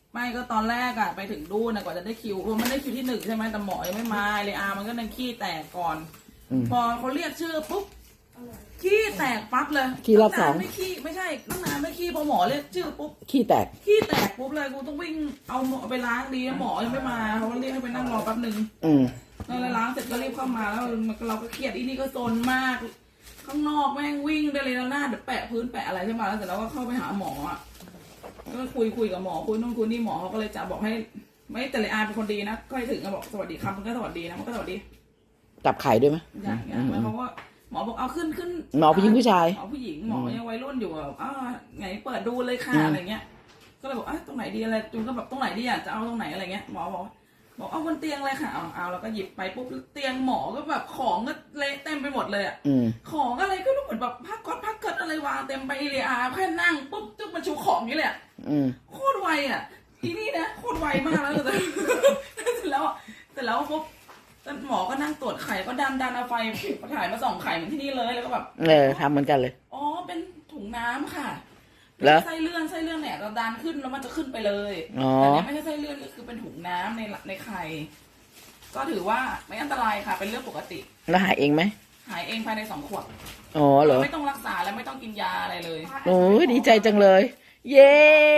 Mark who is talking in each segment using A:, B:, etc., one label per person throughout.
A: ไม่ก็ตอนแรกอะไปถึงดูนะกว่าจะได้คิวมันได้คิวที่1ใช่ไหมแต่หมอยังไม่มาเลยมันก็นั่งขี้แตกก่อนพอเขาเรียกชื่อปุ๊บขี้แตกปั๊บเลย
B: ขี้รอบ2
A: ไม่ขี้ไม่ใช่ตั้งนานไม่ขี้พอหมอเรียกชื่อปุ๊บ
B: ขี้แตก
A: ปุ๊บเลยกูต้องวิ่งเอาหมอไปล้างดีหมอยังไม่มาเขาเรียกให้ไปนั่งรอแป๊บนึงแล้วล้างเสร็จก็รีบเข้ามาแล้วเราก็เครียดนี่ก็โซนมากข้างนอกแม่งวิ่งได้เลยแล้วหน้าเดี๋ยวแปะพื้นแปะอะไรใช่ไหมแล้วเสร็จแล้วก็เข้าไปหาหมอก็คุยกับหมอคุยนู่นคุยนี่หมอเขาก็เลยจะบอกให้ไม่แต่เลยเป็นคนดีนะก็ให้ถึงก็บอกสวัสดีครับมันก็สวัสดีนะมันก็สวัสดี
B: จับไข่ด้วยไหม
A: อย่างเงี้ยแล้วเขาก็หมอบอกเอาขึ้น
B: หมอผู้หญิงผู้ชาย
A: หมอผู้หญิงหมอยังวัยรุ่นอยู่แบบไงเปิดดูเลยค่ะอะไรเงี้ยก็เลยบอกตรงไหนดีอะไรจูนก็แบบตรงไหนดีจะเอาตรงไหนอะไรเงี้ยหมอบอกเอาบนเตียงเลยค่ะเอาแล้วก็หยิบไปปุ๊บเตียงหมอก็แบบของก็เละเต็มไปหมดเลยของอะไรก็รู้เหมือนแบบผ้าก๊อตผ้าเกิดอะไรวางเต็มไปเลยแค่นั่งปุ๊บจุ๊บมันชูของนี่แหละโคตรไวทีนี้นะโคตรไวมากแล้วแต่เสร็จแล้วปุ๊บหมอก็นั่งตรวจไข่ก็ดันเอาไฟถ่ายมา2 ไข่เหมือนที่นี่เลยแล้วก็แบบ
B: ทำเหมือนกันเลย
A: เป็นถุงน้ำค่ะไส้เลื่อนเนี่ยเราดันขึ้นแล้วมันจะขึ้นไปเลยแต่เนี้ยไม่ใช่ไส้เลื่อนก็คือเป็นถุงน้ำในไข่ก็ถือว่าไม่อันตรายค่ะเป็นเรื่องปกติ
B: แล้วหายเองไหม
A: หายเองภายใน2 ขวบ
B: เหรอ
A: ไม่ต้องรักษาและไม่ต้องกินยาอะไรเลย
B: โอ้ยดีใจจังเลยเย่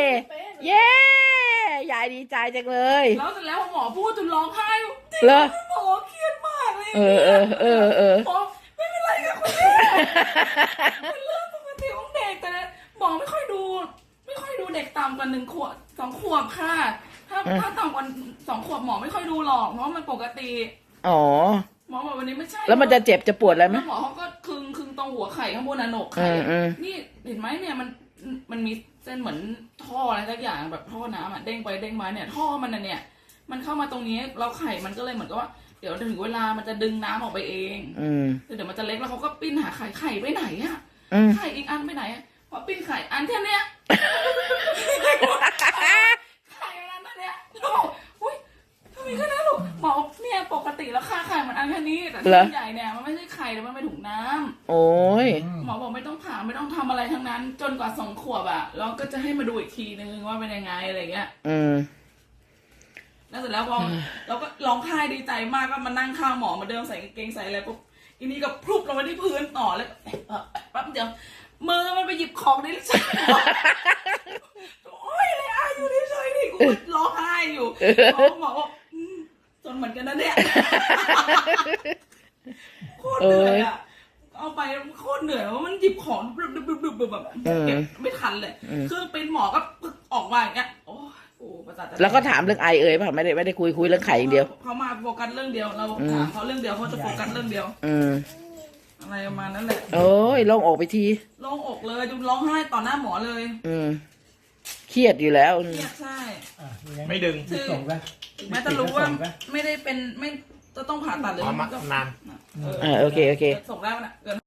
B: ยายดีใจจังเลย
A: แล้วเสร็จแล้วหมอพูดจนร้องไห้
B: เหรอ
A: หมอเครียดมากเลยหมอไม่เป็นไรค่ะคุณแม่เป็นเรื่องปกติของเด็กแต่หมอไม่ค่อยดูเด็กต่ำกว่า1 ขวบ2 ขวบค่ะถ้าต่ำกว่า2 ขวบหมอไม่ค่อยดูหรอกเพราะมันปกติหมอบอกวันนี้ไม่ใช่
B: แล้วมันจะเจ็บจะปวดอะไรไหม
A: หมอเขาก็คึงตรงหัวไข่ข้างบนหนกไข่นี่เห็นไหมเนี่ยมันมีเส้นเหมือนท่ออะไรสักอย่างแบบท่อน้ำเด้งไปเด้งมาเนี่ยท่อมันเนี่ยมันเข้ามาตรงนี้เราไข่มันก็เลยเหมือนกับว่าเดี๋ยวถึงเวลามันจะดึงน้ำออกไปเองเดี๋ยวมันจะเล็กแล้วเขาก็ปิ้นหาไข่ไปไหนไข่อีกอันไปไหนพอปิ้นไข่อันแค่เนี้ยไข่อันนั้นเนี่ยอุ้ยทำไมก็นะลูกหมอเนี่ยปกติแล้วค่าไข่มันอันแค่นี้แต่ที่ใหญ่เนี่ยมันไม่ใช่ไข่แต่มันเป็นถุงน้ำ
B: โอ้ย
A: หมอบอกไม่ต้องผ่าไม่ต้องทำอะไรทั้งนั้นจนกว่า2 ขวบแล้วก็จะให้มาดูอีกทีนึงว่าเป็นยังไงอะไรเงี้ยแล้วเสร็จแล้วพอเราก็ร้องไห้ดีใจมากก็มานั่งข้างหมอมาเดิมใส่กางเกงใส่อะไรปุ๊บอีนี้ก็พลุบลงมาที่พื้นต่อเลยแป๊บเดียวมือมันไปหยิบของในลิ้นชักโอ้ยเลยอยู่ที่ซอยนี่กูร้องไห้อยู่หมอบอกจนเหมือนกันนะเนี่ยโคตรเหนื่อยเอาไปโคตรเหนื่อยว่ามันหยิบของแบบเก็บไม่ทันเลยเครื่องเป็นหมอก็ออกมาอย่างเงี้ยโอ้ประสาท
B: แล้วก็ถามเรื่องไอป่ะไม่ได้คุยเรื่องไข่อย่างเดียว
A: เขามาโฟกัสเรื่องเดียวเราถามเขาเรื่องเดียวเขาจะโฟกัสเรื่องเดียวอะไรประมาณนั้นแหละ
B: โอ้ยโล่งอกไปที
A: โล่งอกเลยจุร้องไห้ต่อหน้าหมอเลย
B: เครียดอยู่แล้ว
A: เครียดใช่
C: ไม่ดึง
A: ถึงแม้จะรู้ว่าไม่ได้เป็นไม่จะต้องผ่าตัดเลย
C: นาน
B: โอเค
A: ส่งได้ไหมนะ